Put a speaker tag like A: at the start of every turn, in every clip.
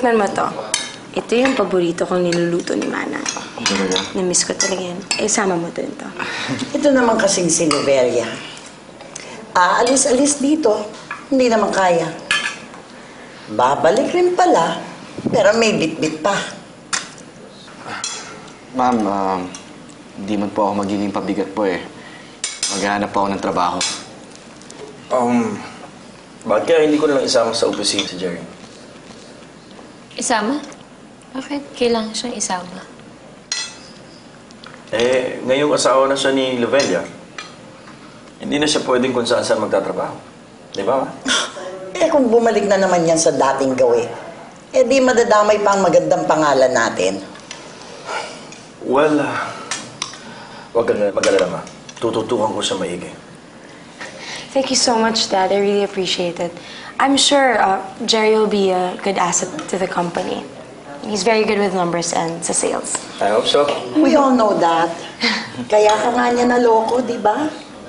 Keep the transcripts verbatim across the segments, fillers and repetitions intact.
A: Tikman mo to. Ito yung paborito kong niluluto ni Mana.
B: Talaga?
A: Na-miss ko talaga yan. Eh, sama mo din to.
C: Ito naman kasing si Lovelia. Aalis-alis dito, hindi naman kaya. Babalik rin pala, pero may bit-bit pa.
B: Ma'am, um, hindi man po ako magiging pabigat po eh. Maghahanap po ako ng trabaho.
D: Um, bakit kaya hindi ko na lang isama sa opisina si Jerry?
E: Isama? Bakit kailangan siyang isama?
D: Eh, ngayong asawa na siya ni Lovelia, hindi na siya pwedeng kung saan-saan magtatrabaho. Di ba?
C: Eh kung bumalik na naman yan sa dating gawin, eh di madadamay pa ang magandang pangalan natin.
D: Well, uh, huwag ka na mag-alala, ma. Tututukan ko siya maigi.
A: Thank you so much, Dad. I really appreciate it. I'm sure uh, Jerry will be a good asset to the company. He's very good with numbers and sa sales.
D: I hope so.
C: We all know that. Kaya ka nga niya naloko, di ba?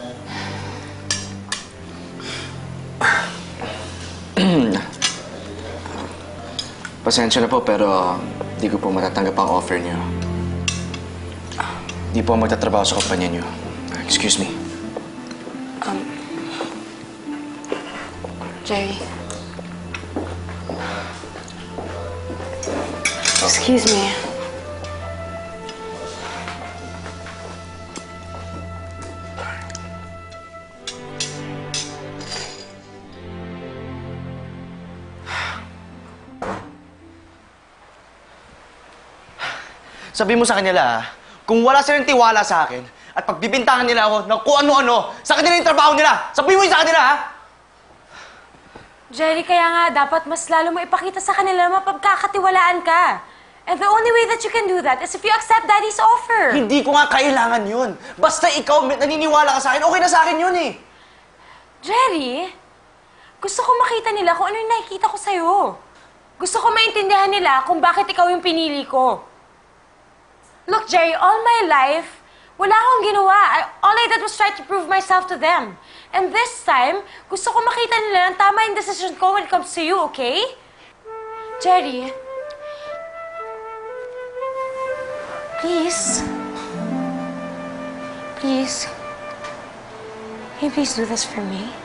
B: Pasensya na po, pero hindi ko po matatanggap ang offer niyo. Hindi po ako magtatrabaho sa kumpanya niyo. Excuse me.
A: Um, Jerry. Excuse me.
F: Sabi mo sa kanila, kung wala silang tiwala sa akin at pagbibintangan nila ako ng kung ano-ano, sa kanila yung trabaho nila. Sabi mo yun sa kanila, ha?
G: Jerry, kaya nga dapat mas lalo mo ipakita sa kanila na mapagkakatiwalaan ka. And the only way that you can do that is if you accept Daddy's offer.
F: Hindi ko nga kailangan yun. Basta ikaw may- naniniwala ka sa akin, okay na sa akin yun eh.
G: Jerry, gusto ko makita nila kung ano yung nakikita ko sa'yo. Gusto ko maintindihan nila kung bakit ikaw yung pinili ko. Look, Jerry, all my life, wala akong ginawa. I, all I did was try to prove myself to them. And this time, gusto ko makita nila na tama yung decision ko when it comes to you, okay? Jerry, please. Please. Can you please do this for me?